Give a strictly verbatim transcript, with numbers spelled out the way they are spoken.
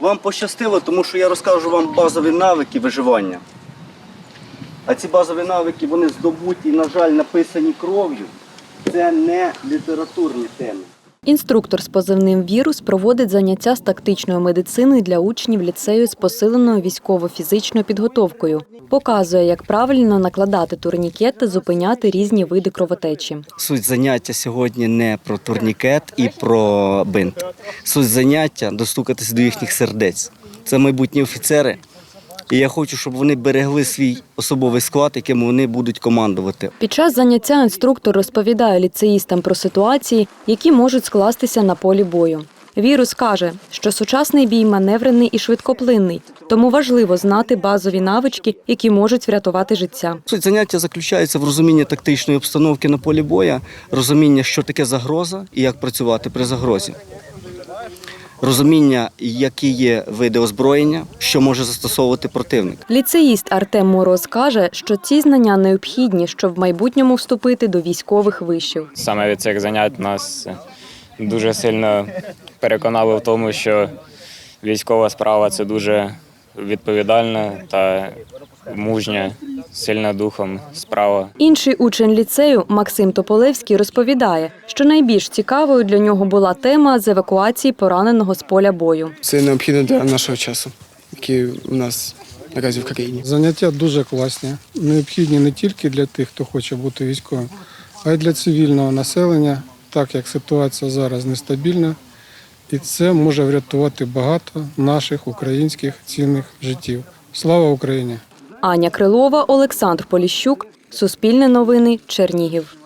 Вам пощастило, тому що я розкажу вам базові навики виживання. А ці базові навики, вони здобуті, на жаль, написані кров'ю. Це не літературні теми. Інструктор з позивним «Вірус» проводить заняття з тактичної медицини для учнів ліцею з посиленою військово-фізичною підготовкою. Показує, як правильно накладати турнікет та зупиняти різні види кровотечі. Суть заняття сьогодні не про турнікет і про бинт. Суть заняття – достукатися до їхніх сердець. Це майбутні офіцери. І я хочу, щоб вони берегли свій особовий склад, яким вони будуть командувати. Під час заняття інструктор розповідає ліцеїстам про ситуації, які можуть скластися на полі бою. «Вірус» каже, що сучасний бій маневрений і швидкоплинний, тому важливо знати базові навички, які можуть врятувати життя. Суть заняття заключається в розумінні тактичної обстановки на полі бою, розуміння, що таке загроза і як працювати при загрозі. Розуміння, які є види озброєння, що може застосовувати противник. Ліцеїст Артем Мороз каже, що ці знання необхідні, щоб в майбутньому вступити до військових вишів. Саме від цих занять нас дуже сильно переконали в тому, що військова справа – це дуже відповідальна та мужня, сильна духом справа. Інший учень ліцею Максим Тополевський розповідає, що найбільш цікавою для нього була тема з евакуації пораненого з поля бою. Це необхідно для нашого часу, який у нас наразі в країні. Заняття дуже класні, необхідні не тільки для тих, хто хоче бути військовим, а й для цивільного населення, так як ситуація зараз нестабільна. І це може врятувати багато наших українських цінних життів. Слава Україні! Аня Крилова, Олександр Поліщук, Суспільне новини, Чернігів.